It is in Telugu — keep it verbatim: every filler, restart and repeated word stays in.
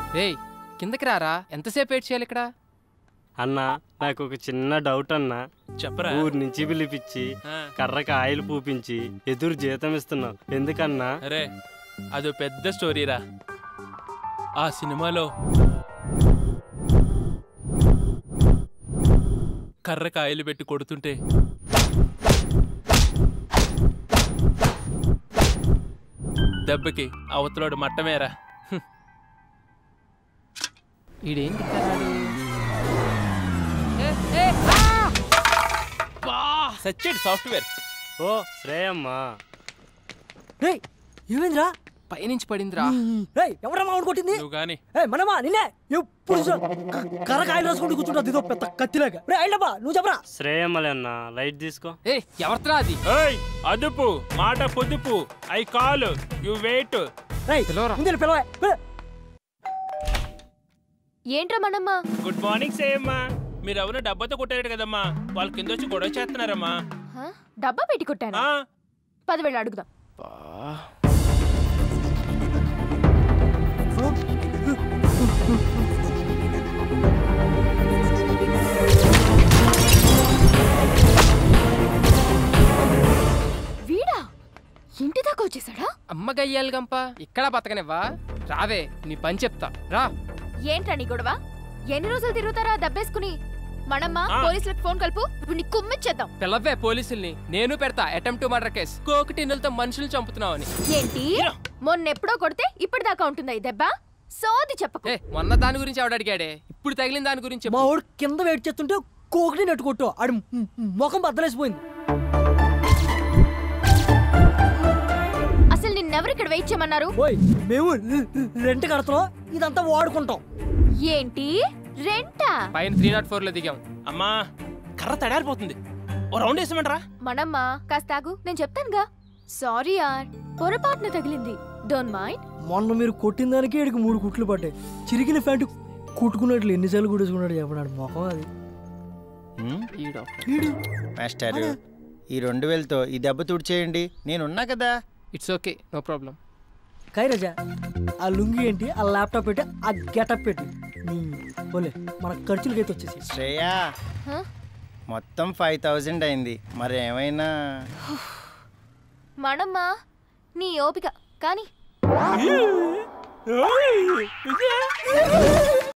రేయ్ కిందకి రారా, ఎంతసేపు వెయిట్ చేయాలి ఇక్కడ? అన్నా నాకు ఒక చిన్న డౌట్ అన్నా. చెప్పరా? ఊరి నుంచి పిలిపించి కర్రకి ఆయిల్ పూపించి ఎదురు జీతం ఇస్తున్నావు ఎందుకన్నా? అరే అదో పెద్ద స్టోరీరా. ఆ సినిమాలో కర్రకి ఆయిల్ పెట్టి కొడుతుంటే దెబ్బకి అవతలోడు మట్టమేరా. ఈడేంటి సచ్చేడు సాఫ్ట్వేర్. ఓ శ్రేయమ్మా, ఏమైందిరా? పైనుంచి పడిందిరా. ఎవరా మామిడి కొట్టింది? నువ్వు గాని మనమా నిన్నే ఎప్పుడు కర్రకాయలు రాసుకుంటూ కూర్చుంటుంది ఇదో పెద్ద కత్తిలాగా. అయినబ్బా నువ్వు చెప్పరా? శ్రేయమ్మలే అన్నా, లైట్ తీసుకో. ఏ ఎవరిరా అది? అదుపు మాట పొదుపు. I call you wait. పిలవా. ఏంట్రా మనమ్మా? Good morning సేయమ్మా. మీరెవరో డబ్బాతో కొట్టారు కదమ్మా, వాళ్ళ కింద వచ్చి గొడవ చేస్తున్నారమ్మా. డబ్బా పెట్టి కొట్టాను. పదివేలు అడుగుదాం. వీడా ఇంటి దాకా వచ్చేసాడా? అమ్మ గయ్యాలి గంప, ఇక్కడ బతకనివ్వా? రావే నీ పని చెప్తా రా. ఏంట్రా నీ గొడవ? ఎన్ని రోజులు తిరుగుతారా దబ్బేసుకుని? మనమ్మా పోలీసులకు ఫోన్ కలుపు, ఇప్పుడు నీ కుమ్మిచ్చేద్దాం. పిల్లవే పోలీసుల్ని, నేను పెడతా అటెంప్ట్ టు మర్డర్ కేసు. కోకి టిన్నులతో మనుషులు చంపుతున్నావు అని. ఏంటి మొన్నెప్పుడో కొడితే ఇప్పటిదాకా ఉంటుందా ఈ దెబ్బ? సోది చెప్పకు. ఏ మొన్న దాని గురించి ఆవిడ అడిగాడే, ఇప్పుడు తగిలిన దాని గురించి. మా వాడు కింద వెయిట్ చేస్తుంటే కోకిని నెట్టు కొట్టు, ఆడి ముఖం బద్దలేసిపోయింది. అసలు నిన్నెవరు ఇక్కడ వెయిట్ చేయమన్నారు? మేము రెంట్ కడతాం, ఇదంతా వాడుకుంటాం. ఏంటి రెంటా? పైన త్రీ నాట్ ఫోర్ లో దిగాం. అమ్మా కర్ర తడారిపోతుంది, ఓ రౌండ్ వేసామంటారా? మనమ్మా కాస్త ఆగు, నేను చెప్తానుగా. సారీ యార్, పొరపాటున తగిలింది, డోంట్ మైండ్. మొన్న మీరు కొట్టిన దానికి ఇక్కడికి మూడు కుట్లు పడ్డాయి. చిరిగిన ఫ్యాంట్ కుట్టుకున్నట్లు ఎన్నిసార్లు కుట్టేసుకున్నాడు చెప్పడాడు మొఖం అది. మాస్టర్ ఈ రెండు వేలతో ఈ దెబ్బ తుడిచేయండి, నేనున్నా కదా. It's okay, no problem. కైరజా ఆ లుంగి ఏంటి, ఆ ల్యాప్టాప్ పెట్టి, ఆ గెటప్ పెట్టి పోలే మన ఖర్చులకైతే వచ్చేసి. శ్రేయా మొత్తం ఫైవ్ థౌజండ్ అయింది, మరి ఏమైనా? మనమ్మా నీ ఓపిక కానీ